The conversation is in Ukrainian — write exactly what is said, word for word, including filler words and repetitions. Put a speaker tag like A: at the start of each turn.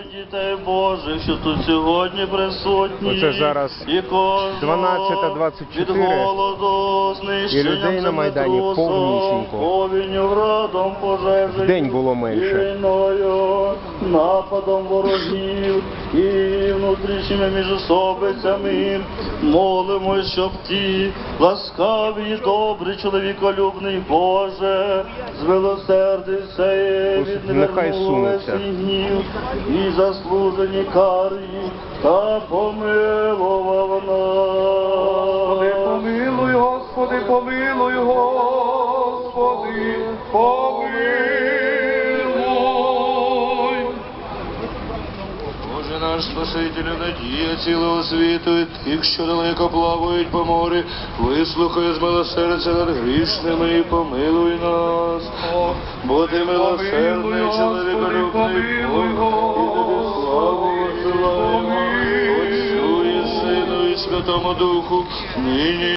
A: дітей Божих, що тут сьогодні присутні.
B: Оце зараз
A: і
B: дванадцята двадцять чотири,
A: від голоду,
B: і людей на Майдані повнісінько.
A: повінню, градом, пожежею,
B: Вдень було менше.
A: війною, нападом ворогів і внутрішніми міжособицями. Молимось, щоб ті ласкаві і добрі, чоловіколюбний Боже, змилосердився і
B: Нехай
A: відвернули
B: сунуться.
A: свій гнів і заслужені кари, та помилував нас.
C: Господи, помилуй, Господи, помилуй, Господи, помилуй.
D: Боже наш Спасителю, надія цілого світу, і тих, що далеко плавають по морі, вислухай з милосердя над грішними і помилуй нас. Бо ти милосердний, чоловіколюбний Бог, і тобі славу посилаємо, Отцю і Сину і Святому Духу, нині